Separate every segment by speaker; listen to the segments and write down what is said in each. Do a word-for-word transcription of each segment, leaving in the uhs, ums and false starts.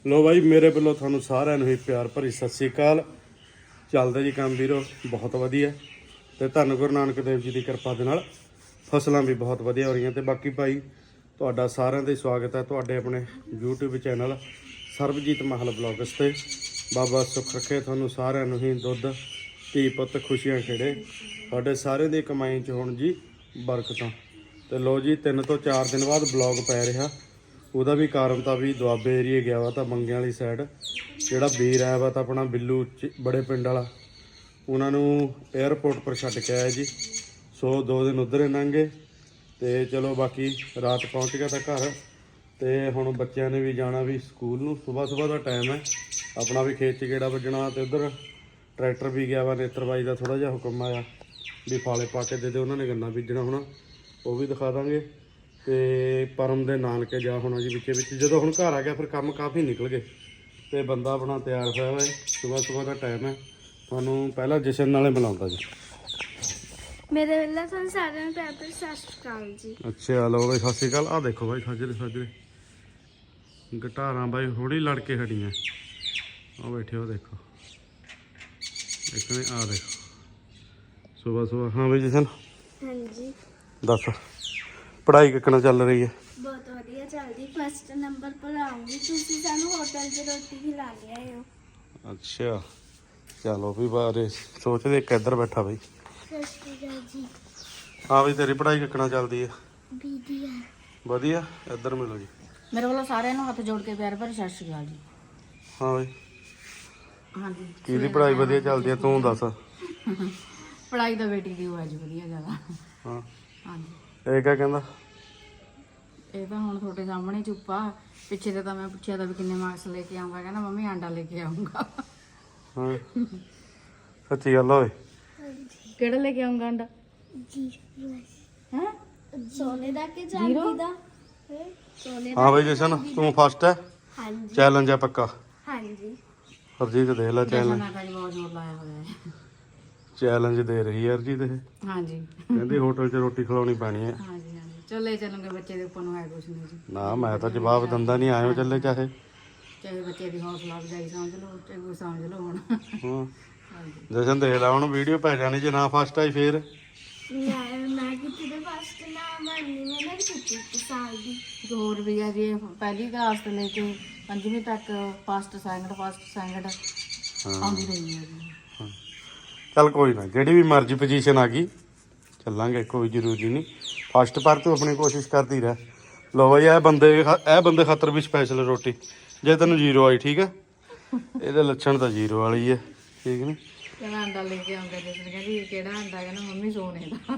Speaker 1: लो भाई मेरे ਵੱਲੋਂ ਤੁਹਾਨੂੰ ਸਾਰਿਆਂ ਨੂੰ ਹੀ ਪਿਆਰ ਭਰੀ ਸਤਿ ਸ੍ਰੀ ਅਕਾਲ। ਚੱਲਦਾ ਜੀ ਕੰਮ ਵੀਰੋ ਬਹੁਤ ਵਧੀਆ ਤੇ ਧੰਨ ਗੁਰੂ ਨਾਨਕ ਦੇਵ ਜੀ ਦੀ ਕਿਰਪਾ ਦੇ ਨਾਲ ਫਸਲਾਂ ਵੀ ਬਹੁਤ ਵਧੀਆ ਹੋ ਰਹੀਆਂ ਤੇ ਬਾਕੀ ਭਾਈ ਤੁਹਾਡਾ ਸਾਰਿਆਂ ਦਾ ਸਵਾਗਤ ਹੈ ਤੁਹਾਡੇ ਆਪਣੇ YouTube channel Sarabjit Mahal blogs ਤੇ। ਬਾਬਾ ਸੁੱਖ ਰੱਖੇ ਤੁਹਾਨੂੰ ਸਾਰਿਆਂ ਨੂੰ ਹੀ ਦੁੱਧ ਧੀ ਪੁੱਤ ਖੁਸ਼ੀਆਂ ਖੇੜੇ ਤੁਹਾਡੇ ਸਾਰਿਆਂ ਦੀ ਕਮਾਈ 'ਚ ਹੋਣ ਜੀ ਬਰਕਤਾਂ। ਤੇ ਲੋ ਜੀ ਤਿੰਨ ਤੋਂ ਚਾਰ ਦਿਨ ਬਾਅਦ ਬਲੌਗ ਪੈ ਰਿਹਾ। ਉਹਦਾ ਵੀ ਕਾਰਨ ਤਾਂ ਵੀ ਦੁਆਬੇ ਏਰੀਏ ਗਿਆ ਵਾ ਤਾਂ ਮੰਗਿਆਂ ਵਾਲੀ ਸਾਈਡ ਜਿਹੜਾ ਵੀਰ ਆਇਆ ਵਾ ਤਾਂ ਆਪਣਾ ਬਿੱਲੂ ਬੜੇ ਪਿੰਡ ਵਾਲਾ ਉਹਨਾਂ ਨੂੰ 에ਅਰਪੋਰਟ ਪਰ ਛੱਡ ਕੇ ਆਇਆ ਜੀ। ਸੋ ਦੋ ਦਿਨ ਉੱਧਰ ਹੀ ਲੰਘੇ ਤੇ ਚਲੋ ਬਾਕੀ ਰਾਤ ਪਹੁੰਚ ਗਿਆ ਤਾਂ ਘਰ। ਤੇ ਹੁਣ ਬੱਚਿਆਂ ਨੇ ਵੀ ਜਾਣਾ ਵੀ ਸਕੂਲ ਨੂੰ, ਸਵੇਰ ਸਵੇਰ ਦਾ ਟਾਈਮ ਹੈ ਆਪਣਾ ਵੀ ਖੇਤ 'ਚ ਗੇੜਾ ਵੱਜਣਾ। ਤੇ ਉੱਧਰ ਟਰੈਕਟਰ ਵੀ ਗਿਆ ਵਾ ਨੇਤਰ ਬਾਈ ਦਾ ਥੋੜ੍ਹਾ ਜਿਹਾ ਹੁਕਮ ਆਇਆ ਵੀ ਫਾਲੇ ਪਾ ਕੇ ਦੇ ਦੇ, ਉਹਨਾਂ ਨੇ ਗੰਨਾ ਬੀਜਣਾ ਹੋਣਾ ਉਹ ਵੀ ਦਿਖਾ ਦਾਂਗੇ। ਤੇ ਪਰਮ ਦੇ ਨਾਨਕੇ ਜਾ ਹੋਣਾ ਜੀ ਵਿੱਚੇ ਵਿੱਚ। ਜਦੋਂ ਹੁਣ ਘਰ ਆ ਗਿਆ ਫਿਰ ਕੰਮ ਕਾਫੀ ਨਿਕਲ ਗਏ ਤੇ ਬੰਦਾ ਆਪਣਾ ਤਿਆਰ ਹੋਇਆ ਵਾ। ਸਵੇਰ ਸਵੇਰ ਦਾ ਟਾਈਮ ਹੈ। ਤੁਹਾਨੂੰ ਪਹਿਲਾਂ ਜਸ਼ਨ ਨਾਲੇ ਮਿਲਾਉਂਦਾ ਜੀ।
Speaker 2: ਮੇਰੇ ਵੱਲੋਂ ਤੁਹਾਨੂੰ ਸਾਰਿਆਂ ਨੂੰ ਪਿਆਰ ਭਰੀ ਸਤਿ ਸ਼੍ਰੀ ਅਕਾਲ ਜੀ।
Speaker 1: ਅੱਛਾ ਲਓ ਬਾਈ ਸਤਿ ਸ਼੍ਰੀ ਅਕਾਲ। ਆਹ ਦੇਖੋ ਬਾਈ ਸਾਜਰੇ ਸਾਜਰੇ ਗਟਾਰਾਂ ਬਾਈ ਹੋੜੀ ਲੜ ਕੇ ਖੜੀਆਂ। ਆਹ ਬੈਠੇ ਹੋ ਦੇਖੋ ਦੇਖਣੇ ਆਹ ਦੇਖੋ ਸਵੇਰ ਸਵੇਰ। ਹਾਂ ਬਾਈ ਜਸ਼ਨ
Speaker 2: ਹਾਂਜੀ
Speaker 1: ਦੱਸ ਪੜ੍ਹਾਈ ਕਿੱਕਣਾ ਚੱਲ ਰਹੀ ਹੈ?
Speaker 2: ਬਹੁਤ ਵਧੀਆ ਚੱਲਦੀ। ਫਸਟ ਨੰਬਰ ਪਰ ਆਉਂਗੀ। ਤੁਸੀਂ ਸਾਨੂੰ ਹੋਟਲ 'ਚ ਰੋਟੀ ਖਿਲਾ ਕੇ ਆਏ ਹੋ।
Speaker 1: ਅੱਛਾ ਚਲੋ ਵੀ ਬਾਰੇ ਸੋਚਦੇ ਇੱਕ ਇੱਧਰ ਬੈਠਾ ਬਾਈ।
Speaker 2: ਸਤਿ ਸ਼੍ਰੀ ਅਕਾਲ ਜੀ।
Speaker 1: ਹਾਂ ਬਈ ਤੇਰੀ ਪੜ੍ਹਾਈ ਕਿੱਕਣਾ ਚੱਲਦੀ ਹੈ?
Speaker 2: ਵਧੀਆ
Speaker 1: ਵਧੀਆ। ਇੱਧਰ ਮਿਲੋ ਜੀ।
Speaker 3: ਮੇਰੇ ਵੱਲੋਂ ਸਾਰਿਆਂ ਨੂੰ ਹੱਥ ਜੋੜ ਕੇ ਪਿਆਰ ਭਰੀ ਸਤਿ ਸ਼੍ਰੀ ਅਕਾਲ ਜੀ।
Speaker 1: ਹਾਂ ਬਈ
Speaker 3: ਹਾਂਜੀ
Speaker 1: ਕਿਹਦੀ ਪੜ੍ਹਾਈ ਵਧੀਆ ਚੱਲਦੀ ਹੈ ਤੂੰ ਦੱਸ।
Speaker 3: ਪੜ੍ਹਾਈ ਤਾਂ ਬੇਟੀ ਦੀ ਹੋਇਆ ਜੀ ਵਧੀਆ ਜ਼ਿਆਦਾ।
Speaker 1: ਹਾਂ
Speaker 3: ਹਾਂਜੀ
Speaker 1: ਇਹ ਕਿਆ ਕਹਿੰਦਾ?
Speaker 3: ਇਹ ਤਾਂ ਹੁਣ ਤੁਹਾਡੇ ਸਾਹਮਣੇ ਚੁੱਪਾ। ਪਿੱਛੇ ਤੇ ਤਾਂ ਮੈਂ ਪੁੱਛਿਆ ਤਾਂ ਵੀ ਕਿੰਨੇ ਮਾਰਕਸ ਲੈ ਕੇ ਆਉਂਗਾ, ਕਹਿੰਦਾ ਮੰਮੀ ਆਂਡਾ ਲੈ ਕੇ ਆਉਂਗਾ।
Speaker 1: ਹਾਂ ਸੱਚੀ ਗੱਲ ਓਏ?
Speaker 3: ਕਿਹੜਾ ਲੈ ਕੇ ਆਉਂਗਾ ਆਂਡਾ?
Speaker 2: ਜੀ
Speaker 3: ਹੈ
Speaker 2: ਸੋਨੇ ਦਾ ਕਿ ਚਾਂਦੀ ਦਾ? ਸੋਨੇ ਦਾ।
Speaker 1: ਹਾਂ ਬਈ ਜਸ਼ਨ ਤੂੰ ਫਸਟ ਹੈ।
Speaker 2: ਹਾਂਜੀ
Speaker 1: ਚੈਲੰਜ ਹੈ ਪੱਕਾ।
Speaker 2: ਹਾਂਜੀ
Speaker 1: ਹਰਜੀਤ ਦੇਖ ਲੈ ਚੈਲੰਜ।
Speaker 3: ਮੈਂ ਤਾਂ ਜੀ ਬਹੁਤ ਜ਼ੋਰ ਲਾਇਆ ਹੋਇਆ ਹੈ।
Speaker 1: ਚੈਲੰਜ ਦੇ ਰਹੀ ਹੈ ਹਰਜੀਤ ਇਹ।
Speaker 3: ਹਾਂਜੀ
Speaker 1: ਕਹਿੰਦੀ ਹੋਟਲ 'ਚ ਰੋਟੀ ਖਿਲਾਉਣੀ ਪੈਣੀ ਹੈ।
Speaker 3: ਹਾਂਜੀ ਹਾਂਜੀ ਚੱਲੇ ਚੱਲੂਗੇ ਬੱਚੇ ਦੇ ਉੱਪਰ ਨੂੰ ਹੈ ਕੁਛ ਨਹੀਂ ਜੀ।
Speaker 1: ਨਾ ਮੈਂ ਤਾਂ ਜਵਾਬ ਦਿੰਦਾ ਨਹੀਂ, ਆਇਓ ਚੱਲੇ ਚਾਹੇ।
Speaker 3: ਚਾਹੇ ਬੱਚੇ ਦੀ ਹੌਸਲਾ ਅਫਜ਼ਾਈ ਸਮਝ ਲਓ ਚਾਹੇ ਕੋਈ ਸਮਝ ਲਓ ਹੁਣ।
Speaker 1: ਹਾਂ
Speaker 3: ਹਾਂਜੀ
Speaker 1: ਜਸ਼ਨ ਦੇਖ ਲੈ ਹੁਣ ਵੀਡੀਓ ਪੈ ਜਾਣੀ ਜੇ ਨਾ ਫਸਟ ਆਈ ਫੇਰ।
Speaker 2: ਮੈਂ ਮੈਂ ਕਿਤੇ ਦੇ ਫਸਟ ਨਾ ਮੰਨੀ ਮੈਂ ਨਾ ਕੀਤੀ ਇੱਕ ਸਾਲ ਦੀ।
Speaker 3: ਇੱਕ ਹੋਰ ਵੀ ਹੈ ਜੀ ਪਹਿਲੀ ਕਲਾਸ ਤੋਂ ਲੈ ਕੇ ਪੰਜਵੀਂ ਤੱਕ ਫਸਟ ਸੈਕਿੰਡ ਫਸਟ ਸੈਕਿੰਡ ਆਉਂਦੀ ਰਹੀ ਹੈ ਜੀ।
Speaker 1: ਚੱਲ ਕੋਈ ਨਾ ਜਿਹੜੀ ਵੀ ਮਰਜ਼ੀ ਪੋਜੀਸ਼ਨ ਆ ਗਈ ਚੱਲਾਂਗੇ, ਕੋਈ ਜ਼ਰੂਰੀ ਨਹੀਂ। ਫਸਟ ਪਰ ਤੂੰ ਆਪਣੀ ਕੋਸ਼ਿਸ਼ ਕਰਦੀ ਰਹਿ। ਲੋ ਬਾਈ ਇਹ ਬੰਦੇ ਇਹ ਬੰਦੇ ਖਾਤਰ ਵੀ ਸਪੈਸ਼ਲ ਰੋਟੀ। ਜੇ ਤੈਨੂੰ ਜ਼ੀਰੋ ਆਈ ਠੀਕ ਹੈ, ਇਹਦੇ ਲੱਛਣ ਤਾਂ ਜ਼ੀਰੋ ਵਾਲੀ ਹੈ ਠੀਕ ਨਹੀਂ।
Speaker 3: ਕਹਿੰਦਾ ਅੰਡਾ ਲੈ ਕੇ ਆਉਂਦਾ ਜਿਸ ਨੇ ਕਹਿੰਦੀ ਕਿਹੜਾ ਅੰਡਾ, ਕਹਿੰਦਾ ਮੰਮੀ ਸੋਨੇ ਦਾ।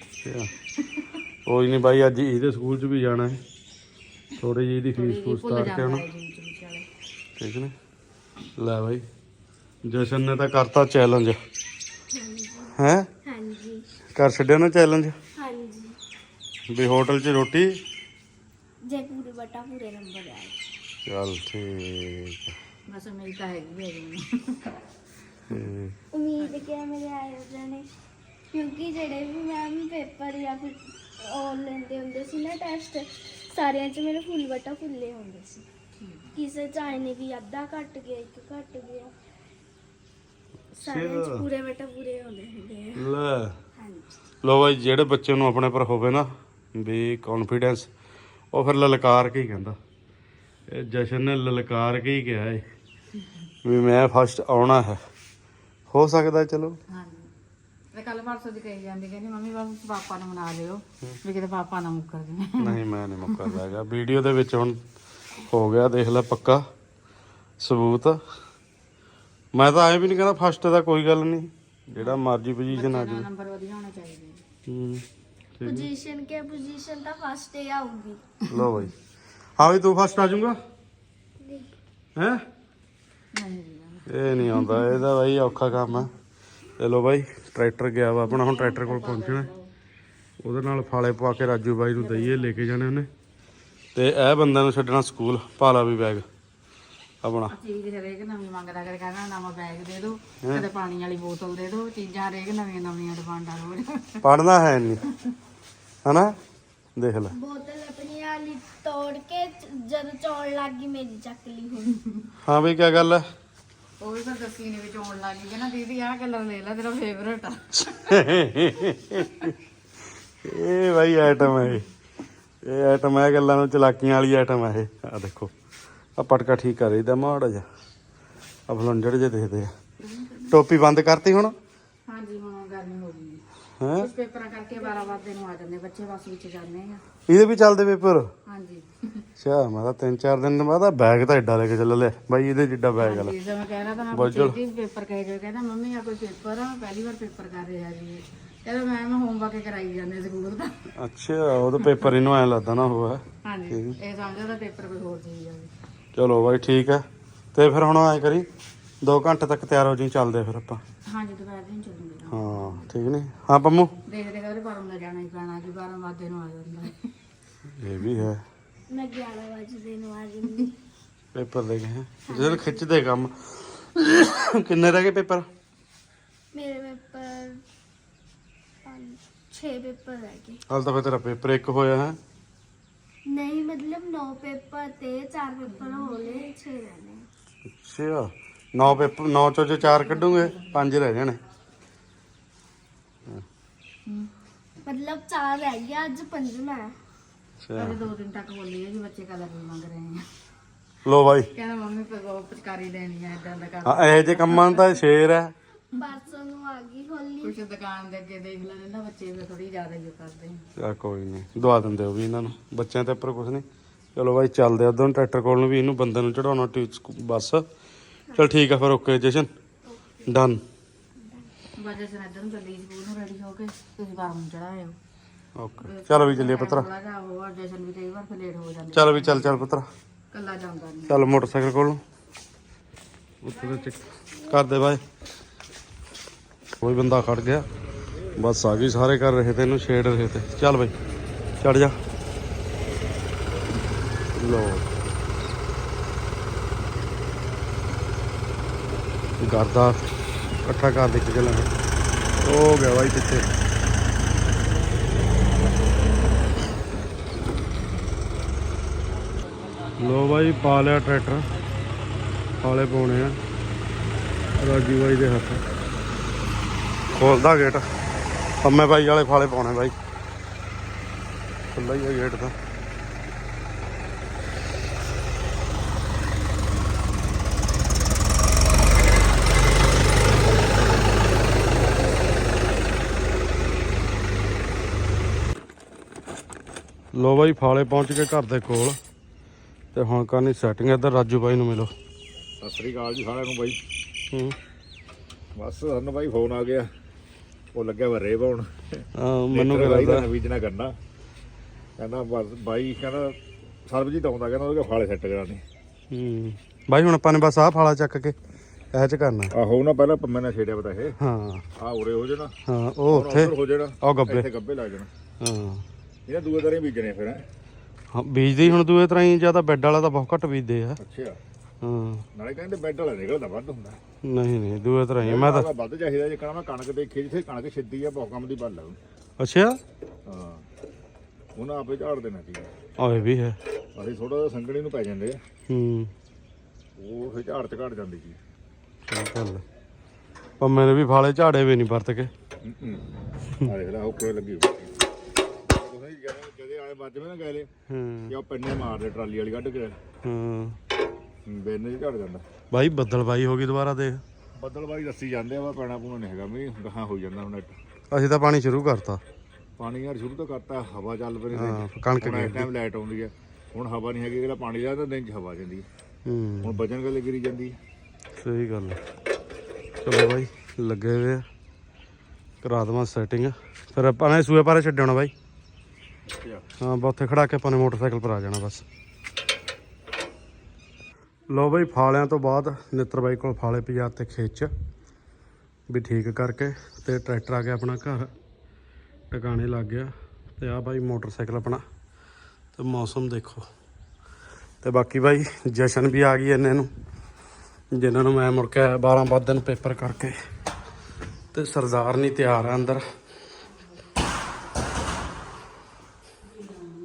Speaker 1: ਕੋਈ ਨਹੀਂ ਬਾਈ ਅੱਜ ਇਹਦੇ ਸਕੂਲ 'ਚ ਵੀ ਜਾਣਾ ਹੈ। ਥੋੜੀ ਜਿਹੀ ਇਹਦੀ ਫੀਸ ਫੂਸ ਤਾਰ ਕੇ ਆਉਣਾ ਠੀਕ ਨੇ। ਲੈ ਬਾਈ ਜਸ਼ਨ ਨੇ ਤਾਂ ਕਰਤਾ ਚੈਲੰਜ ਹੈ।
Speaker 2: ਹਾਂਜੀ
Speaker 1: ਕਰ ਛੱਡਿਆ ਨਾ ਚੈਲੰਜ
Speaker 2: ਹਾਂਜੀ
Speaker 1: ਵੀ ਹੋਟਲ 'ਚ ਰੋਟੀ।
Speaker 2: ਜੇ ਪੂਰੇ ਬਟਾ ਪੂਰੇ ਨੰਬਰ ਆਏ।
Speaker 1: ਚੱਲ ਠੀਕ ਹੈ।
Speaker 3: ਬਸ ਮੇਰੀ ਤਾਂ ਹੈਗੀ ਹੈ ਜੀ।
Speaker 1: ਤੇ
Speaker 2: ਉਮੀਦ ਕਿ ਮੇਰੇ ਆਏ ਜਾਣੇ, ਕਿਉਂਕਿ ਜਿਹੜੇ ਵੀ ਮੈਮ ਪੇਪਰ ਜਾਂ ਫਿਰ ਉਹ ਲੈਂਦੇ ਹੁੰਦੇ ਸੀ ਨਾ ਟੈਸਟ, ਸਾਰਿਆਂ 'ਚ ਮੇਰੇ ਫੁੱਲ ਬਟਾ ਫੁੱਲੇ ਹੁੰਦੇ ਸੀ। ਕਿਸੇ 'ਚ ਆਏ ਨੇ ਵੀ ਅੱਧਾ ਘੱਟ ਗਿਆ, ਇੱਕ ਘੱਟ ਗਿਆ, ਸਾਰਿਆਂ 'ਚ ਪੂਰੇ ਬਟਾ ਪੂਰੇ ਹੁੰਦੇ ਹੁੰਦੇ ਆ।
Speaker 1: ਲੈ
Speaker 2: ਹਾਂਜੀ
Speaker 1: ਲੋ ਬਾਈ ਜਿਹੜੇ ਬੱਚੇ ਨੂੰ ਆਪਣੇ ਪਰ ਹੋਵੇ ਨਾ ਵੀ ਕੌਨਫੀਡੈਂਸ, ਉਹ ਫਿਰ ਲਲਕਾਰ ਕੇ ਹੀ ਕਹਿੰਦਾ। ਇਹ ਜਸ਼ਨ ਨੇ ਲਲਕਾਰ ਕੇ ਹੀ ਕਿਹਾ ਏ ਵੀ ਮੈਂ ਫਸਟ ਆਉਣਾ ਹੈ। ਹੋ ਸਕਦਾ ਚਲੋ।
Speaker 3: ਹਾਂਜੀ ਤੇ ਕੱਲ ਪਰਸੋਂ ਦੀ ਕਹੀ ਜਾਂਦੀ ਕਹਿੰਦੀ ਮੰਮੀ ਬਸ ਪਾਪਾ ਨੂੰ ਮਨਾ ਲਿਓ ਵੀ ਕਿਤੇ ਪਾਪਾ ਨਾ ਮੁੱਕਰ ਜਾਵੇ।
Speaker 1: ਨਹੀਂ ਮੈਂ ਨਹੀਂ ਮੁੱਕਰਦਾ ਹੈਗਾ। ਵੀਡੀਓ ਦੇ ਵਿੱਚ ਹੁਣ ਹੋ ਗਿਆ ਦੇਖ ਲੈ ਪੱਕਾ ਸਬੂਤ। ਮੈਂ ਤਾਂ ਐਂ ਵੀ ਨਹੀਂ ਕਹਿੰਦਾ ਫਸਟ ਦਾ ਕੋਈ ਗੱਲ ਨਹੀਂ, ਜਿਹੜਾ ਮਰਜ਼ੀ ਪੋਜੀਸ਼ਨ ਆ ਜਾਵੇ।
Speaker 3: ਨੰਬਰ ਵਧੀਆ ਹੋਣਾ ਚਾਹੀਦਾ।
Speaker 1: ਹੂੰ ਠੀਕ
Speaker 2: ਪੋਜੀਸ਼ਨ ਕੇ ਪੋਜੀਸ਼ਨ ਤਾਂ ਫਸਟ ਹੀ ਆਊਗੀ।
Speaker 1: ਲੋ ਬਾਈ ਹਾਂ ਬਈ ਤੂੰ ਫਸਟ ਆ ਜਾਊਗਾ ਹੈ?
Speaker 3: ਨਹੀਂ ਜੀ
Speaker 1: ਇਹ ਨਹੀਂ ਆਉਂਦਾ ਇਹਦਾ ਬਾਈ ਔਖਾ ਕੰਮ ਹੈ। ਚਲੋ ਬਾਈ ਟਰੈਕਟਰ ਗਿਆ ਵਾ ਆਪਣਾ, ਹੁਣ ਟਰੈਕਟਰ ਕੋਲ ਪਹੁੰਚਣਾ। ਉਹਦੇ ਨਾਲ ਫਾਲੇ ਪਵਾ ਕੇ ਰਾਜੂ ਬਾਈ ਨੂੰ ਦਈਏ, ਲੈ ਕੇ ਜਾਣੇ ਉਹਨੇ। ਤੇ ਇਹ ਬੰਦਿਆਂ ਨੂੰ ਛੱਡਣਾ ਸਕੂਲ। ਪਾਲਾ ਵੀ ਬੈਗ ਆਪਣਾ।
Speaker 3: ਚੀਜ਼ ਹਰੇਕ ਨਵੀਂ ਮੰਗਦਾ, ਕਦੇ ਕਹਿੰਦਾ ਨਵਾਂ ਬੈਗ ਦੇ ਦਿਓ, ਕਦੇ ਪਾਣੀ ਵਾਲੀ ਬੋਤਲ ਦੇ ਦਿਓ। ਚੀਜ਼ਾਂ ਹਰੇਕ ਨਵੀਆਂ ਨਵੀਆਂ ਡਿਮਾਂਡਾਂ ਰੋਜ਼।
Speaker 1: ਪੜ੍ਹਨਾ ਹੈ ਨਹੀਂ ਹਨਾ, ਦੇਖ ਲੈ
Speaker 2: ਬੋਤਲ ਆਪਣੀ ਵਾਲੀ ਤੋੜ ਕੇ ਜਦ ਚੌਣ ਲੱਗ ਗਈ ਮੇਰੀ ਚੱਕ ਲਈ ਹੁਣ।
Speaker 1: ਹਾਂ ਬਈ ਕੀ ਗੱਲ ਹੈ?
Speaker 3: ਉਹ ਵੀ ਤਾਂ ਦੱਸੀ ਨੇ ਵਿੱਚ ਆਉਣ ਲੱਗ ਗਈ ਨਾ ਦੀਦੀ ਆਹ ਕਲਰ ਲੈ ਲੈ ਤੇਰਾ ਫੇਵਰੇਟ ਆ।
Speaker 1: ਇਹ ਬਾਈ ਆਈਟਮ ਹੈ ਇਹ ਇਹ ਆਈਟਮ ਹੈ ਗੱਲਾਂ ਨੂੰ ਚਲਾਕੀਆਂ ਵਾਲੀ ਆਈਟਮ ਹੈ ਇਹ। ਆ ਦੇਖੋ ਆ ਪਟਕਾ ਠੀਕ ਕਰ ਇਹਦਾ ਮਾੜਾ ਜਿਹਾ ਆ ਫਲੰਜੜ ਜੇ ਦੇਖਦੇ ਆ। ਟੋਪੀ ਬੰਦ ਕਰਤੀ ਹੁਣ?
Speaker 3: ਹਾਂਜੀ ਹੁਣ ਗਰਮੀ ਹੋ ਗਈ
Speaker 1: ਹੈ
Speaker 3: ਕੁਝ ਪੇਪਰਾਂ ਕਰਕੇ ਬਾਰਾਂ ਵਜੇ ਨੂੰ ਆ ਜਾਂਦੇ ਬੱਚੇ, ਬੱਸ ਵਿੱਚ ਜਾਂਦੇ ਆ।
Speaker 1: ਇਹਦੇ ਵੀ ਚੱਲਦੇ ਪੇਪਰ?
Speaker 3: ਹਾਂਜੀ
Speaker 1: ਅੱਛਾ ਮੈਂ ਤਾਂ ਤਿੰਨ ਚਾਰ ਦਿਨ ਬਾਅਦ ਬੈਗ ਤਾਂ ਏਡਾ ਲੈ ਕੇ ਚੱਲ ਲਿਆ ਬਾਈ, ਇਹਦੇ ਜਿੱਡਾ ਬੈਗ ਆ ਲੈ।
Speaker 3: ਜਿਵੇਂ ਮੈਂ ਕਹਿ ਰਿਹਾ ਤਾਂ ਮੈਂ
Speaker 1: ਬਜਲ।
Speaker 3: ਪੁੱਛੀ ਸੀ ਪੇਪਰ ਕਹੇ ਜੋ, ਕਹਿੰਦਾ ਮੰਮੀ ਆ ਕੋਈ ਪੇਪਰ ਆ, ਪਹਿਲੀ ਵਾਰ ਪੇਪਰ ਕਰ ਰਿਹਾ ਜੀ। ਕਹਿੰਦਾ ਮੈਂ ਮੈਂ ਹੋਮਵਰਕ ਕਰਾਈ ਜਾਂਦੇ ਸਕੂਲ ਦਾ।
Speaker 1: ਅੱਛਾ ਉਹ ਤਾਂ ਪੇਪਰ ਇਹਨੂੰ ਐ ਲੱਗਦਾ ਨਾ ਉਹ ਹੈ।
Speaker 3: ਹਾਂਜੀ ਇਹ ਸਮਝਦਾ ਤਾਂ ਪੇਪਰ ਕੋਈ ਹੋਰ ਚੀਜ਼ ਆ।
Speaker 1: ਚਲੋ ਬਾਈ ਠੀਕ ਹੈ। ਤੇ ਫਿਰ ਹੁਣ ਐ ਕਰੀ ਦੋ ਘੰਟੇ ਤੱਕ ਤਿਆਰ ਹੋ ਜੀ, ਚੱਲਦੇ ਫਿਰ ਆਪਾਂ।
Speaker 3: ਹਾਂਜੀ ਦੁਪਹਿਰ ਦਿਨ ਚੱਲੂਗੇ।
Speaker 1: ਹਾਂ ਠੀਕ ਨਹੀਂ? ਹਾਂ ਪੰਮੂ
Speaker 3: ਦੇਖਦੇ ਕਹਿੰਦੇ ਬਾਰਾਂ ਦਾ ਜਾਣਾ ਹੀ ਪੈਣਾ ਜੀ, ਬਾਰਾਂ ਵਜੇ ਨੂੰ ਆ ਜਾਂਦਾ।
Speaker 1: ਇਹ ਵੀ ਹੈ।
Speaker 2: ਮੈਂ ਗਿਆਰਾਂ ਵਜੇ ਨੂੰ ਆ ਜਾਂਦੀ।
Speaker 1: ਪੇਪਰ ਦੇ ਗਏ ਜਦੋਂ ਖਿੱਚਦੇ ਕੰਮ। ਕਿੰਨੇ ਰਹਿ ਗਏ ਪੇਪਰ?
Speaker 2: ਮੇਰੇ ਪੇਪਰ ਪੰਜ ਛੇ ਪੇਪਰ ਰਹਿ ਗਏ।
Speaker 1: ਹਾਲ ਤਾਂ ਫਿਰ ਤੇਰਾ ਪੇਪਰ ਇੱਕ ਹੋਇਆ ਹੈ।
Speaker 2: ਨਹੀਂ ਮਤਲਬ ਨੌ ਪੇਪਰ ਤੇ ਚਾਰ ਪੇਪਰ ਹੋ ਗਏ, ਛੇ ਰਹਿਣੇ।
Speaker 1: ਅੱਛਾ ਨੌ ਪੇਪਰ, ਨੌ ਚੋਂ ਜੇ ਚਾਰ ਕੱਢੂਗੇ ਪੰਜ ਰਹਿ ਜਾਣੇ।
Speaker 2: ਮਤਲਬ ਚਾਰ ਰਹਿ ਗਿਆ, ਅੱਜ ਪੰਜਵਾਂ ਹੈ।
Speaker 1: ਅੱਛਾ
Speaker 3: ਅਜੇ ਦੋ ਦਿਨ ਤੱਕ ਬੋਲੀ ਹੈ ਜੀ ਬੱਚੇ ਕਲਰ ਵੀ ਮੰਗ ਰਹੇ ਆ।
Speaker 1: ਲੋ ਬਾਈ
Speaker 3: ਕਹਿੰਦਾ ਮੰਮੀ ਪਗੋ ਪਚਕਾਰੀ ਦੇਣੀ ਆ ਇਦਾਂ ਦਾ ਕਰ।
Speaker 1: ਹਾਂ ਇਹੋ ਜਿਹੇ ਕੰਮਾਂ ਨੂੰ ਤਾਂ ਸ਼ੇਰ ਹੈ।
Speaker 2: ਪਰਸੋਂ ਨੂੰ ਆ ਗਈ ਹੋਲੀ।
Speaker 3: ਕੁਛ ਦੁਕਾਨ ਦੇ ਅੱਗੇ ਦੇਖ ਲੈਂਦੇ ਨਾ ਬੱਚੇ ਵੀ ਥੋੜੀ ਜ਼ਿਆਦਾ ਹੀ ਕਰਦੇ ਆ।
Speaker 1: ਚਾ ਕੋਈ ਨਹੀਂ ਦਵਾ ਦਿੰਦੇ ਉਹ ਵੀ ਇਹਨਾਂ ਨੂੰ, ਬੱਚਿਆਂ ਤੇ ਉੱਪਰ ਕੁਛ ਨਹੀਂ। ਚਲੋ ਬਾਈ ਚੱਲਦੇ ਉਧਰ ਨੂੰ ਟਰੈਕਟਰ ਕੋਲ ਨੂੰ ਵੀ, ਇਹਨੂੰ ਬੰਦੇ ਨੂੰ ਚੜਾਉਣਾ ਬੱਸ। ਚਲ ਠੀਕ ਆ ਫਿਰ, ਓਕੇ ਜਸ਼ਨ ਡਨ।
Speaker 3: ਵਜੇ ਸਨ ਇੱਧਰ ਨੂੰ ਚੱਲੀ ਸਕੂਲ ਨੂੰ ਰੈਡੀ ਹੋ ਕੇ, ਤੁਸੀਂ ਬਾਹਰ ਨੂੰ ਚੜਾਇਓ।
Speaker 1: ਓਕੇ ਚਲੋ ਵੀ ਚੱਲੀਏ ਪੁੱਤਰਾ।
Speaker 3: ਥੋੜਾ ਜਿਹਾ ਉਹ ਜਸ਼ਨ ਵੀ ਕਈ ਵਾਰ ਫਿਰ ਲੇਟ ਹੋ ਜਾਂਦੇ,
Speaker 1: ਚੱਲ ਵੀ ਚੱਲ ਚੱਲ ਪੁੱਤਰਾ
Speaker 3: ਕੱਲਾ ਜਾਂਦਾ ਨਹੀਂ।
Speaker 1: ਚੱਲ ਮੋਟਰਸਾਈਕਲ ਕੋਲ ਨੂੰ ਉੱਥੇ ਤੇ ਕਰਦੇ ਬਾਏ। ਕੋਈ ਬੰਦਾ ਖੜ ਗਿਆ, ਬਸ ਆ ਗਈ, ਸਾਰੇ ਕਰ ਰਹੇ ਤੇ ਇਹਨੂੰ ਛੇੜ ਰਹੇ ਤੇ। ਚੱਲ ਬਾਈ ਚੜ ਜਾ। ਲੋ ਗਰਦਾ ਇਕੱਠਾ ਕਰ ਦੇ ਕੇ ਚੱਲਾਂਗੇ। ਹੋ ਗਿਆ ਬਾਈ ਪਿੱਛੇ। ਲੋ ਬਾਈ ਪਾ ਲਿਆ ਟਰੈਕਟਰ, ਫਾਲੇ ਪਾਉਣੇ ਆ ਰਾਜੂ ਬਾਈ ਦੇ ਹੱਥ। ਖੋਲਦਾ ਗੇਟ, ਪੰਮੇ ਬਾਈ ਵਾਲੇ ਫਾਲੇ ਪਾਉਣੇ ਬਾਈ, ਖੁੱਲ੍ਹਾ ਹੀ ਆ ਗੇਟ ਤਾਂ। ਲੋ ਬਾਈ ਫਾਲੇ ਪਹੁੰਚ ਕੇ ਘਰ ਦੇ ਕੋਲ, ਤੇ ਹੁਣ ਕਰਨੀ ਸੈਟਿੰਗ। ਇੱਧਰ ਰਾਜੂ ਬਾਈ ਨੂੰ ਮਿਲੋ।
Speaker 4: ਸਤਿ ਸ੍ਰੀ ਅਕਾਲ ਜੀ ਸਾਰਿਆਂ ਨੂੰ ਬਾਈ।
Speaker 1: ਹੂੰ
Speaker 4: ਬਸ ਸਾਨੂੰ ਬਾਈ ਫੋਨ ਆ ਗਿਆ, ਉਹ ਲੱਗਿਆ ਵਾ ਰੇ ਪਾਉਣ।
Speaker 1: ਹਾਂ ਮੈਨੂੰ
Speaker 4: ਬਾਈ
Speaker 1: ਕਹਿੰਦਾ
Speaker 4: ਦਾ ਨਵੀਜਣਾ ਕਰਨਾ, ਕਹਿੰਦਾ ਬਸ ਬਾਈ ਕਹਿੰਦਾ ਸਰਬਜੀਤ ਆਉਂਦਾ, ਕਹਿੰਦਾ ਉਹਦੇ ਫਾਲੇ ਸੈੱਟ ਕਰਾਣੇ।
Speaker 1: ਹੂੰ ਬਾਈ ਹੁਣ ਆਪਾਂ ਨੇ ਬਸ ਆਹ ਫਾਲਾ ਚੱਕ ਕੇ ਇਹ ਚ ਕਰਨਾ।
Speaker 4: ਆਹੋ ਨਾ ਪਹਿਲਾਂ ਪੰਮੇ ਨਾਲ ਛੇੜਿਆ ਪਤਾ ਇਹ।
Speaker 1: ਹਾਂ
Speaker 4: ਆਹ ਉਰੇ ਹੋ ਜਾਣਾ,
Speaker 1: ਹਾਂ ਉਹ ਉੱਥੇ
Speaker 4: ਹੋ ਜਾਣਾ,
Speaker 1: ਉਹ ਗੱਬੇ।
Speaker 4: ਇੱਥੇ ਗੱਬੇ ਲੱਗ ਜਾਣਾ।
Speaker 1: ਹਾਂ
Speaker 4: ਇਹਨਾਂ ਦੂਏ ਦਰੇ ਬੀਜਣੇ ਫਿਰ।
Speaker 1: ਹਾਂ ਬੀਜਦੇ ਹੀ ਹੁਣ ਦੂਏ ਤਰ੍ਹਾਂ ਹੀ, ਜਿਆਦਾ ਬੈੱਡ ਵਾਲਾ ਤਾਂ ਬਹੁਤ ਘੱਟ ਬੀਜਦੇ ਆ।
Speaker 4: ਅੱਛਾ
Speaker 1: ਹਾਂ
Speaker 4: ਨਾਲੇ ਕਹਿੰਦੇ ਬੈੱਡ ਵਾਲਾ ਨਿਕਲਦਾ ਵੱਧ ਹੁੰਦਾ।
Speaker 1: ਨਹੀਂ ਨਹੀਂ ਦੂਏ ਤਰ੍ਹਾਂ ਹੀ ਆ। ਮੈਂ ਤਾਂ
Speaker 4: ਵੱਧ ਚਾਹੀਦਾ ਜੇ ਕਹਿੰਦਾ ਮੈਂ ਕਣਕ ਦੇਖੀ, ਜਿੱਥੇ ਕਣਕ ਛਿੱਦੀ ਆ ਬਹੁਤ ਕੰਮ ਦੀ ਬੱਲ ਆ।
Speaker 1: ਅੱਛਾ
Speaker 4: ਹਾਂ ਉਹਨਾਂ ਆਪੇ ਝਾੜ ਦੇਣਾ ਸੀ।
Speaker 1: ਆਹ ਇਹ ਵੀ ਹੈ।
Speaker 4: ਅਸੀਂ ਥੋੜਾ ਜਿਹਾ ਸੰਗਣੀ ਨੂੰ ਪੈ ਜਾਂਦੇ ਆ,
Speaker 1: ਹੂੰ
Speaker 4: ਉਹ ਫਿਰ ਝਾੜ ਚ ਘਟ ਜਾਂਦੀ ਸੀ।
Speaker 1: ਚੱਲ ਚੱਲ ਪੰਮੇ ਨੇ ਵੀ ਫਾਲੇ ਝਾੜੇ ਵੀ ਨਹੀਂ ਵਰਤ ਕੇ।
Speaker 4: ਆ ਦੇਖ ਲੈ ਉੱਪਰ ਲੱਗੀ ਹੋਈ। ਤੁਸੀਂ ਜਦੋਂ ਜਦੇ ਆਏ ਵੱਜਵੇਂ ਨਾ ਗਏ
Speaker 1: ਹੂੰ
Speaker 4: ਕਿ ਉਹ ਪੰਨੇ ਮਾਰਦੇ ਟਰਾਲੀ ਵਾਲੀ ਕੱਢ ਕੇ,
Speaker 1: ਹਾਂ
Speaker 4: ਬੇਨੇ ਝੜ ਜਾਂਦਾ।
Speaker 1: ਬਾਈ ਬੱਦਲ ਬਾਈ ਹੋ ਗਈ ਦੁਬਾਰਾ ਦੇਖ।
Speaker 4: ਬੱਦਲ ਬਾਈ ਦੱਸੀ ਜਾਂਦੇ ਆ ਵਾ ਪੈਣਾ ਪੂਣਾ ਨਹੀਂ ਹੈਗਾ, ਮੀਂਹ ਗਾਹਾਂ ਹੋ ਜਾਂਦਾ ਹੁਣ।
Speaker 1: ਅਸੀਂ ਤਾਂ ਪਾਣੀ ਸ਼ੁਰੂ ਕਰਤਾ।
Speaker 4: ਪਾਣੀ ਯਾਰ ਸ਼ੁਰੂ ਤੋਂ ਕਰਤਾ, ਹਵਾ ਚੱਲ ਪਈ।
Speaker 1: ਹਾਂ ਕਣਕ
Speaker 4: ਹੁਣ
Speaker 1: ਗਈ।
Speaker 4: ਇਸ ਟਾਈਮ ਲਾਈਟ ਆਉਂਦੀ ਹੈ, ਹੁਣ ਹਵਾ ਨਹੀਂ ਹੈਗੀ। ਜਿਹੜਾ ਪਾਣੀ ਦਾ ਤਾਂ ਦਿਨ ਚ ਹਵਾ ਜਾਂਦੀ ਹੈ,
Speaker 1: ਹੂੰ
Speaker 4: ਹੁਣ ਵਜਨ ਗੱਲੇ ਗਿਰੀ ਜਾਂਦੀ ਹੈ।
Speaker 1: ਸਹੀ ਗੱਲ ਹੈ। ਚਲੋ ਬਾਈ ਲੱਗੇ ਹੋਏ ਆ, ਕਰਾ ਦੇਵਾਂ ਸੈਟਿੰਗ। ਫਿਰ ਆਪਾਂ ਨੇ ਸੂਏ ਪਾਰੇ ਛੱਡਣਾ ਬਾਈ। ਹਾਂ ਬਸ ਉੱਥੇ ਖੜਾ ਕੇ ਆਪਾਂ ਨੇ ਮੋਟਰਸਾਈਕਲ ਪਰ ਆ ਜਾਣਾ ਬਸ। ਲੋ ਬਾਈ ਫਾਲਿਆਂ ਤੋਂ ਬਾਅਦ ਨਿੱਤਰ ਬਾਈ ਕੋਲ ਫਾਲੇ ਪਜਾ ਤੇ ਖੇਚ ਵੀ ਠੀਕ ਕਰਕੇ, ਤੇ ਟਰੈਕਟਰ ਆ ਗਿਆ ਆਪਣਾ ਘਰ, ਟਿਕਾਣੇ ਲੱਗ ਗਿਆ। ਤੇ ਆ ਬਾਈ ਮੋਟਰਸਾਈਕਲ ਆਪਣਾ, ਤੇ ਮੌਸਮ ਦੇਖੋ। ਤੇ ਬਾਕੀ ਬਾਈ ਜਸ਼ਨ ਵੀ ਆ ਗਈ ਇੰਨੇ ਨੂੰ, ਜਿਨ੍ਹਾਂ ਨੂੰ ਮੈਂ ਮੁੜ ਕੇ ਆਇਆ ਬਾਰਾਂ ਬਾਰਾਂ ਦਿਨ ਪੇਪਰ ਕਰਕੇ। ਤੇ ਸਰਦਾਰ ਨਹੀਂ ਤਿਆਰ ਆ ਅੰਦਰ।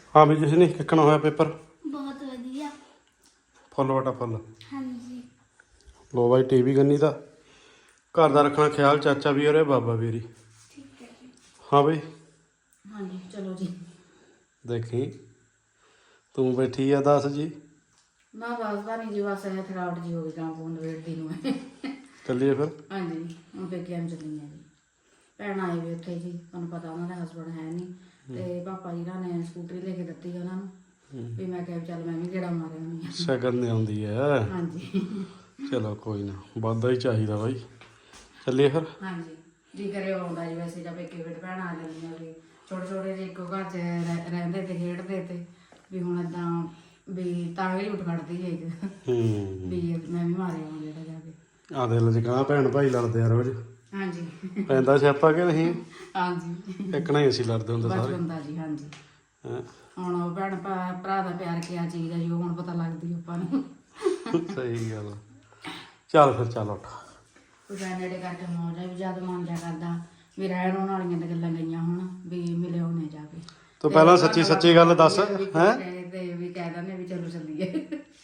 Speaker 1: ਹਾਂ ਵੀ ਜਿਸ ਨੇ ਕਿੱਕਣਾ ਹੋਇਆ ਪੇਪਰ?
Speaker 2: ਬਹੁਤ ਵਧੀਆ।
Speaker 1: ਫੁੱਲ ਵਟਾ ਫੁੱਲ।
Speaker 2: ਹਾਂਜੀ।
Speaker 1: ਲੋ ਬਾਈ ਟੀਵੀ ਗੰਨੀ ਦਾ ਘਰ ਦਾ ਰੱਖਣਾ ਖਿਆਲ, ਚਾਚਾ ਵੀ ਔਰ ਬਾਬਾ ਵੀਰੀ।
Speaker 2: ਠੀਕ ਹੈ ਜੀ।
Speaker 1: ਹਾਂ ਬਈ
Speaker 3: ਹਾਂਜੀ ਚਲੋ ਜੀ।
Speaker 1: ਦੇਖੀ ਤੂੰ ਬੈਠੀ ਆ ਦੱਸ ਜੀ।
Speaker 3: ਨਾ ਦੱਸਦਾ ਨਹੀਂ ਜੀ, ਬਸ ਇਹ ਥਕਾਵਟ ਜੀ ਹੋ ਗਈ ਕੰਮ ਫੋਨ ਵੇਟਦੀ ਨੂੰ ਹੈ।
Speaker 1: ਚੱਲੀਏ ਫਿਰ।
Speaker 3: ਹਾਂਜੀ ਹੁਣ ਪੇਕਿਆਂ ਨੂੰ ਚੱਲੀ ਆ ਜੀ। ਭੈਣ ਆਏ ਵੀ ਉੱਥੇ ਜੀ, ਤੁਹਾਨੂੰ ਪਤਾ ਉਹਨਾਂ ਦਾ ਹਸਬੈਂਡ ਹੈ ਨਹੀਂ, ਤੇ ਪਾਪਾ ਜੀ ਨਾਲ ਨੇ ਸਕੂਟਰੀ ਲੈ ਕੇ ਦਿੱਤੀ ਉਹਨਾਂ ਨੂੰ, ਵੀ ਮੈਂ ਕਿਹਾ ਵੀ ਚੱਲ ਮੈਂ ਵੀ ਗੇੜਾ ਮਾਰਿਆ ਹੁੰਦੀ ਆ।
Speaker 1: ਸ਼ਗਨ ਨੇ ਆਉਂਦੀ ਹੈ।
Speaker 3: ਹਾਂਜੀ
Speaker 1: ਚਲੋ ਕੋਈ ਨਾ, ਵਾਧਾ ਹੀ ਚਾਹੀਦਾ ਬਾਈ। ਚੱਲੀਏ ਫਿਰ।
Speaker 3: ਹਾਂਜੀ ਜੀ ਕਰੇ ਆਉਂਦਾ ਜੀ, ਵੈਸੇ ਜਾਂ ਪੇਕੇ ਫਿਰ ਭੈਣ ਆ ਜਾਂਦੀਆਂ ਵੀ ਛੋਟੇ ਛੋਟੇ ਜਿਹੇ ਇੱਕੋ ਘਰ 'ਚ ਰਹਿ- ਰਹਿੰਦੇ ਤੇ ਖੇਡਦੇ ਤੇ ਵੀ ਹੁਣ ਏਦਾਂ ਵੀ ਤਾਂ ਵੀ ਉੱਠ ਖੜਦੀ ਹੈ ਇੱਕ
Speaker 1: ਹੂੰ
Speaker 3: ਵੀ ਮੈਂ ਵੀ ਮਾਰਿਆ ਹਾਂ ਜਿਹੜਾ ਜਾ ਕੇ।
Speaker 1: ਆ ਦਿਲ ਚ ਕਹਾਂ ਭੈਣ ਭਾਈ ਲੜਦੇ ਆ ਰੋਜ਼,
Speaker 3: ਹਾਂਜੀ
Speaker 1: ਪੈਂਦਾ ਸਿਆਪਾ ਕਿ ਨਹੀਂ?
Speaker 3: ਹਾਂਜੀ
Speaker 1: ਇੱਕ ਹੀ ਅਸੀਂ ਲੜਦੇ ਹੁੰਦੇ ਸਾਰੇ।
Speaker 3: ਬਚਪਨ ਦਾ ਜੀ। ਹਾਂਜੀ
Speaker 1: ਹੈਂ।
Speaker 3: ਹੁਣ ਉਹ ਭੈਣ ਭਰਾ ਭਰਾ ਦਾ ਪਿਆਰ ਕਿਆ ਚੀਜ਼ ਹੈ ਜੀ, ਉਹ ਹੁਣ ਪਤਾ ਲੱਗਦੀ ਆਪਾਂ ਨੂੰ।
Speaker 1: ਸਹੀ ਗੱਲ ਆ। ਚੱਲ ਫਿਰ ਚੱਲ ਉੱਠ।
Speaker 3: ਕੁਝ ਨੇੜੇ ਕਰਕੇ ਮੌਜ ਹੈ ਵੀ ਜਦ ਮਨ ਜਾ ਕਰਦਾ ਵੀ ਰਹਿਣ ਰੋਣ ਵਾਲੀਆਂ ਤਾਂ ਗੱਲਾਂ ਗਈਆਂ ਹੁਣ ਵੀ ਮਿਲੇ ਹੋਣੇ ਜਾ ਕੇ।
Speaker 1: ਤੂੰ ਪਹਿਲਾਂ ਸੱਚੀ ਸੱਚੀ ਗੱਲ ਦੱਸ
Speaker 3: ਹੈ
Speaker 1: ਹੈ।
Speaker 3: ਤੇ ਵੀ ਕਹਿ ਦਿੰਦੇ ਵੀ ਚਲੋ ਚੱਲੀਏ।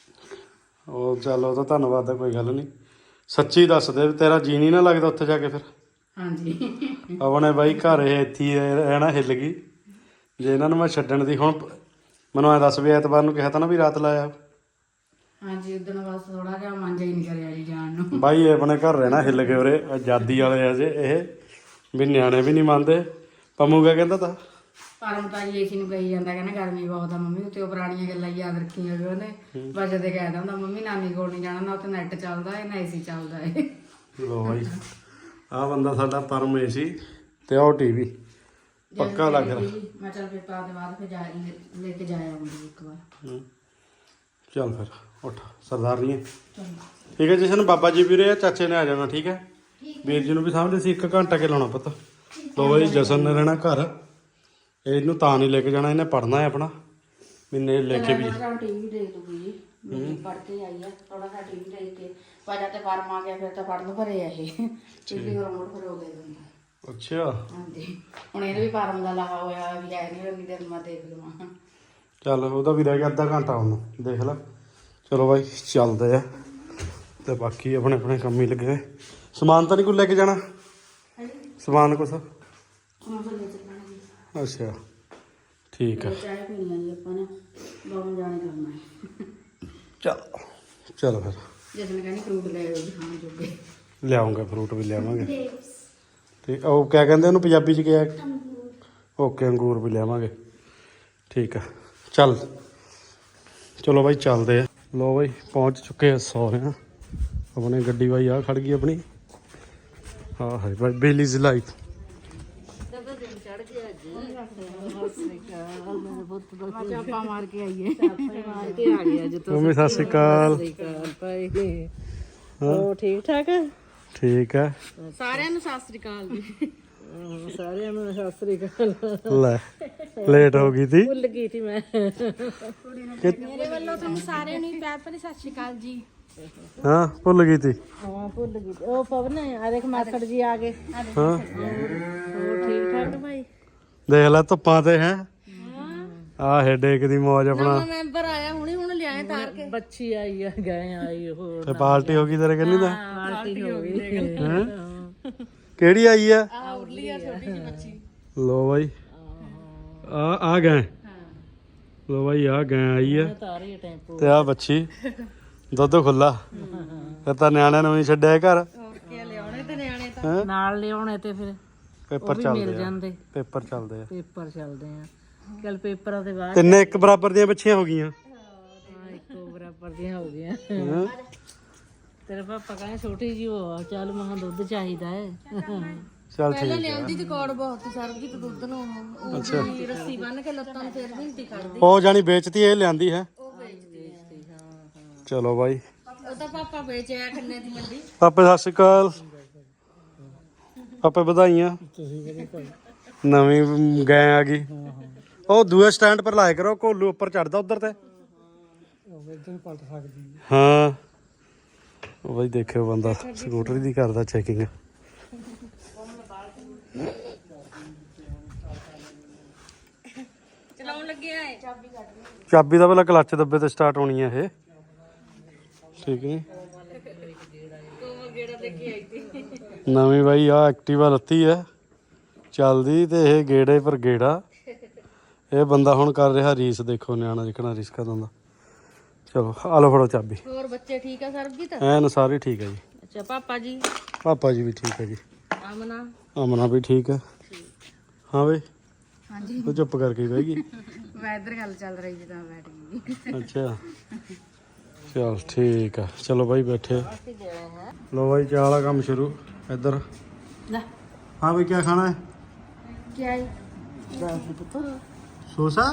Speaker 1: ਉਹ ਚੱਲ ਉਹ ਤਾਂ ਧੰਨਵਾਦ ਦਾ ਕੋਈ ਗੱਲ ਨਹੀਂ। ਸੱਚੀ ਦੱਸ ਦੇ ਵੀ ਤੇਰਾ ਜੀ ਨਹੀਂ ਨਾ ਲੱਗਦਾ ਉੱਥੇ ਜਾ ਕੇ ਫਿਰ?
Speaker 3: ਹਾਂਜੀ
Speaker 1: ਆਪਣੇ ਬਾਈ ਘਰ ਇਹ ਇੱਥੇ ਹੀ ਰਹਿਣਾ ਹਿੱਲ ਗਈ ਜੇ ਇਹਨਾਂ ਨੂੰ ਮੈਂ ਛੱਡਣ ਦੀ। ਹੁਣ ਮੈਨੂੰ ਐ ਦੱਸ ਵੀ ਐਤਵਾਰ ਨੂੰ ਕਿਹਾ ਤਾਂ ਨਾ ਵੀ ਰਾਤ ਲਾਇਆ।
Speaker 3: ਹਾਂਜੀ ਉਦੋਂ ਬਸ ਥੋੜਾ ਜਿਹਾ ਮਨ ਜਿਹਾ ਹੀ ਨਹੀਂ ਕਰਿਆ ਜੀ ਜਾਣ ਨੂੰ।
Speaker 1: ਬਾਈ ਇਹ ਆਪਣੇ ਘਰ ਰਹਿਣਾ ਹਿੱਲ ਗਏ ਉਰੇ, ਆਜ਼ਾਦੀ ਵਾਲੇ ਆ ਜੇ ਇਹ ਵੀ ਨਿਆਣੇ ਵੀ ਨਹੀਂ ਮੰਨਦੇ। ਪੰਮੂ ਕਿਆ ਕਹਿੰਦਾ ਤਾ?
Speaker 3: ਪਰਮ ਤਾਂ ਜੀ ਏਸੀ ਨੂੰ ਕਹੀ ਜਾਂਦਾ, ਕਹਿੰਦਾ ਗਰਮੀ ਬਹੁਤ ਆ ਮੰਮੀ ਉੱਤੇ। ਉਹ ਪੁਰਾਣੀਆਂ ਗੱਲਾਂ ਯਾਦ ਰੱਖੀਆਂ ਵੀ ਉਹਨੇ ਵਜੇ ਤੇ ਕਹਿ ਦਿੰਦਾ ਮੰਮੀ ਨਾਨੀ ਕੋਲ ਨਹੀਂ ਜਾਣਾ, ਨਾ ਉੱਥੇ ਨੈਟ ਚੱਲਦਾ ਹੈ ਨਾ ਏਸੀ ਚੱਲਦਾ ਹੈ।
Speaker 1: ਲੋ ਬਾਈ ਆਹ ਬੰਦਾ ਸਾਡਾ ਪਰਮ ਏ ਸੀ ਤੇ ਉਹ ਟੀਵੀ ਪੱਕਾ ਲੱਗ ਰਿਹਾ।
Speaker 3: ਮੈਂ ਚੱਲ ਪੇਪਰਾਂ ਦੇ ਬਾਅਦ ਫਿਰ ਜਾ ਲੈ ਕੇ ਜਾਇਆ ਆਉਂਗੀ ਇੱਕ ਵਾਰ।
Speaker 1: ਚੱਲ ਫਿਰ ਉੱਠ ਸਰਦਾਰਨੀ। ਠੀਕ ਹੈ ਜਸ਼ਨ, ਬਾਬਾ ਜੀ ਵੀ ਰਹੇ, ਚਾਚੇ ਨੇ ਆ ਜਾਣਾ। ਠੀਕ ਹੈ ਵੀਰ ਜੀ ਨੂੰ ਵੀ ਸਮਝਦੇ ਸੀ ਇੱਕ ਘੰਟਾ ਕੇ ਲਾਉਣਾ ਪਤਾ। ਲੋ ਬਾਈ ਜਸ਼ਨ ਨੇ ਰਹਿਣਾ ਘਰ, ਇਹਨੂੰ ਤਾਂ ਨਹੀਂ ਲੈ ਕੇ ਜਾਣਾ, ਇਹਨੇ ਪੜ੍ਹਨਾ ਹੈ ਆਪਣਾ। ਮੈਨੇ ਲੈ ਕੇ ਵੀ
Speaker 3: ਟੀਵੀ ਦੇਖ ਲੂਗੀ ਜੀ, ਮੇਰੀ ਪੜ੍ਹ ਕੇ ਆਈ ਆ ਥੋੜਾ ਜਿਹਾ ਟੀਵੀ ਦੇਖ ਕੇ। ਪਹਿਲਾਂ ਤੇ ਫਾਰਮ ਆ ਗਿਆ, ਫਿਰ ਤਾਂ ਪੜ੍ਹਨ ਭਰੇ ਆ ਇਹ ਟੀਵੀ ਰਿਮੋਟ ਫਿਰ ਹੋ ਦੇ ਦਿੰਦਾ।
Speaker 1: ਅੱਛਾ
Speaker 3: ਹਾਂਜੀ ਹੁਣ ਇਹਦੇ ਵੀ ਫਾਰਮ ਦਾ ਲਾਹਾ ਹੋਇਆ ਵੀ ਹੈ ਨਹੀਂ ਰੰਗੀ ਦੇ ਮੈਂ ਦੇਖ ਲਵਾਂ।
Speaker 1: ਚੱਲ ਉਹਦਾ ਵੀ ਰਹਿ ਗਿਆ ਅੱਧਾ ਘੰਟਾ, ਉਹਨੂੰ ਦੇਖ ਲੈ। ਚਲੋ ਬਾਈ ਚੱਲਦੇ ਆ ਤੇ ਬਾਕੀ ਆਪਣੇ ਆਪਣੇ ਕੰਮ ਹੀ ਲੱਗੇ। ਸਮਾਨ ਤਾਂ ਨਹੀਂ ਕੋਈ ਲੈ ਕੇ ਜਾਣਾ? ਸਮਾਨ ਕੁਛ? ਅੱਛਾ ਠੀਕ ਹੈ।
Speaker 3: ਚਾਹ ਪੀਣੀ ਆ ਜੀ ਆਪਾਂ ਨੇ, ਦੋਵੇਂ ਜਾਣੇ ਕਰਨਾ ਹੈ।
Speaker 1: ਚਲ ਚਲ ਫਿਰ
Speaker 3: ਜਿਸ ਨੇ ਕਹਿੰਦੀ ਫਰੂਟ ਲੈ ਆਓ ਜੀ ਖਾਣ ਜੋਗੇ।
Speaker 1: ਲਿਆਉਂਗੇ ਫਰੂਟ ਵੀ ਲਿਆਵਾਂਗੇ।
Speaker 2: ਗ੍ਰੇਪਸ।
Speaker 1: ਤੇ ਉਹ ਕਿਆ ਕਹਿੰਦੇ ਉਹਨੂੰ ਪੰਜਾਬੀ ਚ ਕਿਹਾ?
Speaker 2: ਅੰਗੂਰ।
Speaker 1: ਓਕੇ ਅੰਗੂਰ ਵੀ ਲਿਆਵਾਂਗੇ। ਠੀਕ ਆ ਚੱਲ ਚਲੋ ਬਾਈ ਚੱਲਦੇ ਆ। ਲੋ ਬਾਈ ਪਹੁੰਚ ਚੁੱਕੇ ਆ ਸਹੁਰਿਆਂ। ਆਪਣੇ ਗੱਡੀ ਬਾਈ ਆ ਖੜ ਗਈ ਆਪਣੀ। ਹਾਂ ਹੈ ਬਾਈ ਬੇਲੀਜ਼ ਲਾਈਫ।
Speaker 3: ਚਾਪਾ ਮਾਰ ਕੇ ਆਈਏ, ਮਾਰ ਕੇ ਆ ਗਏ ਅੱਜ।
Speaker 1: ਮੰਮੀ ਸਤਿ ਸ਼੍ਰੀ ਅਕਾਲ।
Speaker 3: ਹੋ ਠੀਕ ਠਾਕ?
Speaker 1: ਠੀਕ ਹੈ
Speaker 3: ਸਾਰਿਆਂ ਨੂੰ ਸਤਿ ਸ੍ਰੀ ਅਕਾਲ ਜੀ। ਸਾਰਿਆਂ ਨੂੰ ਸਤਿ ਸ੍ਰੀ ਅਕਾਲ।
Speaker 1: ਲੈ ਲੇਟ ਹੋ ਗਈ ਤੀ।
Speaker 3: ਭੁੱਲ ਗਈ ਸੀ ਮੈਂ।
Speaker 2: ਮੇਰੇ ਵੱਲੋਂ ਤੁਹਾਨੂੰ ਸਾਰਿਆਂ ਨੂੰ ਪਿਆਰ ਭਰੀ ਸਤਿ ਸ਼੍ਰੀ ਅਕਾਲ ਜੀ।
Speaker 1: ਹਾਂ ਭੁੱਲ ਗਈ ਤੀ।
Speaker 3: ਹਾਂ ਭੁੱਲ ਗਈ। ਉਹ ਪਵਨ ਆ ਦੇਖ ਮਾਸੜ ਜੀ ਆ ਗਏ।
Speaker 1: ਹਾਂ
Speaker 3: ਹੋਰ ਠੀਕ ਠਾਕ ਭਾਈ?
Speaker 1: ਦੇਖ ਲੈ ਧੁੱਪਾਂ ਤੇ ਹੈ। ਆਹ ਹੈਡੇਕ ਦੀ ਮੌਜ ਆਪਣਾ।
Speaker 3: ਮੈਂਬਰ ਆਇਆ ਹੁਣੇ ਹੁਣ ਲਿਆਏ ਤਾਰ ਕੇ। ਬੱਚੀ ਆਈ ਆ, ਗਏ ਆਈ ਹੋਰ
Speaker 1: ਤੇ ਪਾਰਟੀ ਹੋ ਗਈ ਤੇਰੇ ਕੰਨੀ ਦਾ?
Speaker 3: ਪਾਰਟੀ ਹੋ ਗਈ।
Speaker 1: ਹੈਂ? ਕਿਹੜੀ ਆਈ ਆ?
Speaker 3: ਆ ਉਰਲੀ ਆ ਛੋਟੀ ਜਿਹੀ ਬੱਚੀ।
Speaker 1: ਲੋ ਬਾਈ ਆ ਆ ਗਏ। ਲੋ ਬਾਈ ਆ ਗਏ ਆਈ ਆ
Speaker 3: ਤਾਰੀ ਟੈਂਪੋ
Speaker 1: ਤੇ ਆ ਬੱਚੀ ਦੁੱਧ ਖੁੱਲਾ। ਫਿਰ ਤਾਂ ਨਿਆਣਿਆਂ ਨੂੰ ਨਹੀਂ ਛੱਡਿਆ ਘਰ।
Speaker 3: ਓਕੇ ਲਿਆਉਣੇ ਤੇ ਨਿਆਣੇ ਤਾਂ ਨਾਲ ਲਿਆਉਣੇ ਤੇ ਫਿਰ
Speaker 1: ਪੇਪਰ
Speaker 3: ਮਿਲ
Speaker 1: ਚੱਲਦੇ ਆ।
Speaker 3: ਜਾਂਦੇ।
Speaker 1: ਪੇਪਰ ਚੱਲਦੇ ਆ।
Speaker 3: ਪੇਪਰ ਚੱਲਦੇ ਆ। ਚੱਲ ਪੇਪਰਾਂ ਦੇ ਬਾਅਦ
Speaker 1: ਤਿੰਨੇ ਇੱਕ ਬਰਾਬਰ ਦੀਆਂ ਬੱਚੀਆਂ ਹੋ ਗਈਆਂ।
Speaker 3: ਹਾਂ ਇੱਕੋ ਬਰਾਬਰ ਦੀਆਂ ਹੋ ਗਈਆਂ।
Speaker 1: ਹੈਂ?
Speaker 3: ਤੇਰੇ ਪਾਪਾ ਕਹਿੰਦੇ ਛੋਟੀ ਜੀ ਹੋ ਚੱਲ ਮਹਾਂ ਦੁੱਧ ਚਾਹੀਦਾ ਹੈ।
Speaker 1: ਚੱਲ ਠੀਕ ਹੈ।
Speaker 3: ਲਿਆਂਦੀ ਤੇ ਕੋੜ ਬਹੁਤ ਸਰਬਜੀਤ ਦੁੱਧ ਨੂੰ ਉਹ
Speaker 1: ਅੱਛਾ
Speaker 3: ਵੀ ਰੱਸੀ ਬੰਨ ਕੇ ਲੱਤਾਂ ਨੂੰ ਫੇਰ ਨਹੀਂ ਖੜਦੀ।
Speaker 1: ਉਹ ਜਾਣੀ ਵੇਚਤੀ ਇਹ ਲਿਆਂਦੀ ਹੈ।
Speaker 3: ਉਹ ਵੇਚਦੀ ਹਾਂ ਹਾਂ।
Speaker 1: ਚਲੋ ਬਾਈ
Speaker 3: ਉਹ ਤਾਂ ਪਾਪਾ ਵੇਚਿਆ ਖੰਨੇ ਦੀ ਮੰਡੀ।
Speaker 1: ਪਾਪੇ ਸਤਿ ਸ਼੍ਰੀ ਅਕਾਲ। ਪਾਪੇ ਵਧਾਈਆਂ। ਨਵੀਂ ਗਏ ਆ ਗਈ। ਉਹ ਦੂਏ ਸਟੈਂਡ ਪਰ ਲਾਇਆ ਕਰੋ, ਕੋਲੂ ਉੱਪਰ ਚੜਦਾ ਉਧਰ ਤੇ। ਹਾਂ ਉਹ ਬਾਈ ਦੇਖਿਓ ਬੰਦਾ ਸਕੂਟਰੀ ਦੀ ਕਰਦਾ ਚੈਕਿੰਗ।
Speaker 3: ਚਲਾਉਣ ਲੱਗੀ
Speaker 1: ਚਾਬੀ ਦਾ ਪਹਿਲਾਂ ਕਲੱਚ ਦੱਬੇ ਤੇ ਸਟਾਰਟ ਹੋਣੀ ਹੈ ਇਹ, ਠੀਕ ਨਹੀਂ। ਨਵੀਂ ਬਾਈ ਆ ਐਕਟਿਵਾ ਲੱਤੀ ਹੈ ਚੱਲਦੀ, ਤੇ ਇਹ ਗੇੜੇ ਪਰ ਗੇੜਾ। ਇਹ ਬੰਦਾ ਹੁਣ ਕਰ ਰਿਹਾ ਰੀਸ, ਦੇਖੋ ਨਿਆਣਾ ਜਿਕਣਾ ਰੀਸ ਕਰਦਾ ਹੁੰਦਾ। ਚਲੋ ਆ ਲਓ ਫੜੋ ਚਾਬੀ।
Speaker 3: ਹੋਰ ਬੱਚੇ ਠੀਕ ਆ ਸਰਬਜੀਤ?
Speaker 1: ਐਨ ਸਾਰੇ ਠੀਕ ਹੈ ਜੀ।
Speaker 3: ਅੱਛਾ ਪਾਪਾ ਜੀ?
Speaker 1: ਪਾਪਾ ਜੀ ਵੀ ਠੀਕ ਹੈ ਜੀ।
Speaker 3: ਆਮਨਾ?
Speaker 1: ਅਮਨਾ ਵੀ ਠੀਕ ਹੈ। ਹਾਂ ਬਈ
Speaker 3: ਹਾਂਜੀ
Speaker 1: ਤੂੰ ਚੁੱਪ ਕਰਕੇ ਬਹਿ ਗਈ।
Speaker 3: ਮੈਂ ਇੱਧਰ ਗੱਲ ਚੱਲ ਰਹੀ ਜੀ ਤਾਂ ਬੈਠ ਗਈ।
Speaker 1: ਅੱਛਾ ਚਲ ਠੀਕ ਆ, ਚਲੋ ਬਾਈ ਬੈਠੇ। ਲੋ ਬਾਈ ਚਾਹ ਵਾਲਾ ਕੰਮ ਸ਼ੁਰੂ ਇੱਧਰ।
Speaker 3: ਲੈ
Speaker 1: ਹਾਂ ਬਈ ਕੀ ਖਾਣਾ ਹੈ?
Speaker 3: ਕੀ ਆਈ?
Speaker 1: ਸੋਸਾ।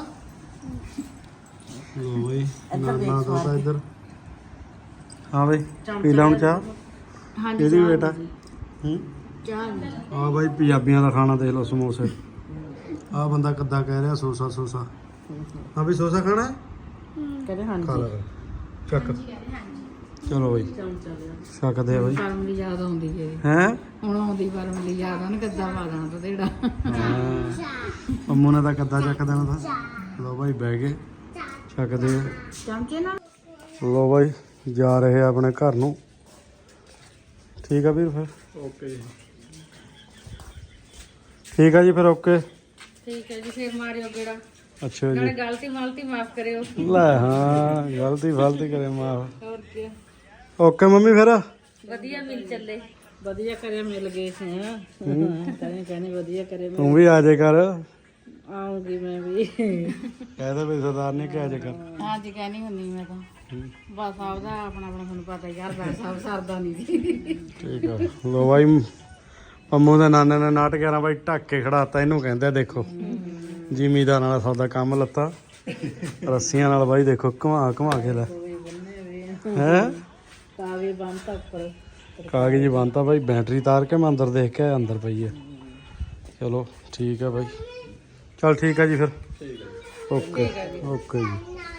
Speaker 1: ਲੋ ਬਾਈ ਨਾਨਾ ਦੋਤਾ ਇੱਧਰ। ਹਾਂ ਬਈ ਪੀ ਲਾ ਹੁਣ ਚਾਹ।
Speaker 3: ਹਾਂਜੀ
Speaker 1: ਇਹਦੀ ਬੇਟਾ ਹੂੰ
Speaker 3: ਚਾਹ
Speaker 1: ਆ ਬਾਈ ਪੰਜਾਬੀਆਂ ਦਾ ਖਾਣਾ ਦੇਖ ਲਓ, ਸਮੋਸੇ। ਆ ਬੰਦਾ ਕਿੱਦਾਂ ਕਹਿ ਰਿਹਾ ਸੋਸਾ ਸੋਸਾ। ਹਾਂ ਬਈ ਸੋਸਾ ਖਾਣਾ ਹੈ?
Speaker 3: ਕਹਿੰਦੇ ਹਾਂਜੀ।
Speaker 1: ਖਾ ਲੈ ਚੱਕ। ਚਲੋ ਬਾਈ
Speaker 3: ਚੱਲ ਚੱਲ
Speaker 1: ਛਕਦੇ ਆ ਬਾਈ।
Speaker 3: ਪਰਮ ਦੀ ਯਾਦ ਆਉਂਦੀ ਹੈ
Speaker 1: ਹੈ।
Speaker 3: ਹੁਣ ਆਉਂਦੀ ਪਰਮ ਦੀ ਯਾਦ ਆਣ ਕਿੱਦਾਂ ਪਾ ਦੇਣਾ ਤਾਂ ਜਿਹੜਾ
Speaker 1: ਅੰਮੂ ਨੇ ਤਾਂ ਕੱਦਾ ਚੱਕ ਦੇਣਾ ਤਾਂ। ਲੋ ਬਾਈ ਬਹਿ ਗਏ ਛਕਦੇ ਆ।
Speaker 3: ਚਮਚੇ ਨਾਲ।
Speaker 1: ਲੋ ਬਾਈ ਜਾ ਰਹੇ ਆ ਆਪਣੇ ਘਰ ਨੂੰ। ਠੀਕ ਆ ਵੀਰ ਫਿਰ ਓਕੇ ਜੀ। ਠੀਕ ਆ ਜੀ ਫਿਰ ਓਕੇ।
Speaker 3: ਠੀਕ ਹੈ ਜੀ ਫਿਰ ਮਾਰਿਓ ਗੇੜਾ।
Speaker 1: ਅੱਛਾ
Speaker 3: ਨਾਲੇ
Speaker 1: ਜੀ
Speaker 3: ਗਲਤੀ ਮਲਤੀ ਮਾਫ ਕਰਿਓ।
Speaker 1: ਲੈ ਹਾਂ ਗਲਤੀ ਫਲਤੀ ਕਰੇ ਮਾਫ।
Speaker 3: ਹੋਰ ਕੀ
Speaker 1: ਓਕੇ ਮੰਮੀ ਫਿਰ।
Speaker 3: ਵਧੀਆ ਮਿਲ ਚੱਲੇ। ਵਧੀਆ ਕਰਿਆ ਮਿਲ ਗਏ ਸੀ। ਹਾਂ ਕਹਿੰਦੇ ਕਹਿੰਦੇ ਵਧੀਆ ਕਰੇ।
Speaker 1: ਤੂੰ ਵੀ ਆ ਜੇ ਕਰ।
Speaker 3: ਆਉਂਗੀ ਮੈਂ ਵੀ।
Speaker 1: ਕਹਿੰਦੇ ਵੀ ਸਰਦਾਰ ਨੇ ਕਿਹਾ ਜੇ ਕਰ।
Speaker 3: ਹਾਂਜੀ ਕਹਿਣੀ ਹੁੰਦੀ ਮੈਂ ਤਾਂ ਬਸ ਆਪਦਾ ਆਪਣਾ ਆਪਣਾ ਤੁਹਾਨੂੰ ਪਤਾ ਯਾਰ ਬਸ ਸਭ ਸਰਦਾ ਨਹੀਂ ਜੀ।
Speaker 1: ਠੀਕ ਆ ਲੋ ਬਾਈ ਪੰਮੂ ਦੇ ਨਾਨੇ ਨੇ ਨਾਟ ਗਿਆਰਾਂ ਬਾਈ ਢੱਕ ਕੇ ਖੜਾਤਾ। ਇਹਨੂੰ ਕਹਿੰਦੇ ਆ ਦੇਖੋ ਜ਼ਿਮੀਦਾਰ ਨਾਲ ਸੌਦਾ ਕੰਮ ਲੱਤਾ ਰੱਸੀਆਂ ਨਾਲ ਬਾਈ। ਦੇਖੋ ਘੁਮਾ ਘੁਮਾ ਕੇ ਲੈ ਹੈ
Speaker 3: ਕਾਵੇ ਬੰਦ ਤੱਕ ਪਰ
Speaker 1: ਕਾਗਜ਼ ਬੰਨਤਾ ਬਾਈ। ਬੈਟਰੀ ਤਾਰ ਕੇ ਮੈਂ ਅੰਦਰ ਦੇਖ ਕੇ ਆਇਆ, ਅੰਦਰ ਪਈ ਹੈ। ਚਲੋ ਠੀਕ ਹੈ ਬਾਈ। ਚਲ ਠੀਕ ਹੈ ਜੀ ਫਿਰ ਓਕੇ ਓਕੇ ਜੀ।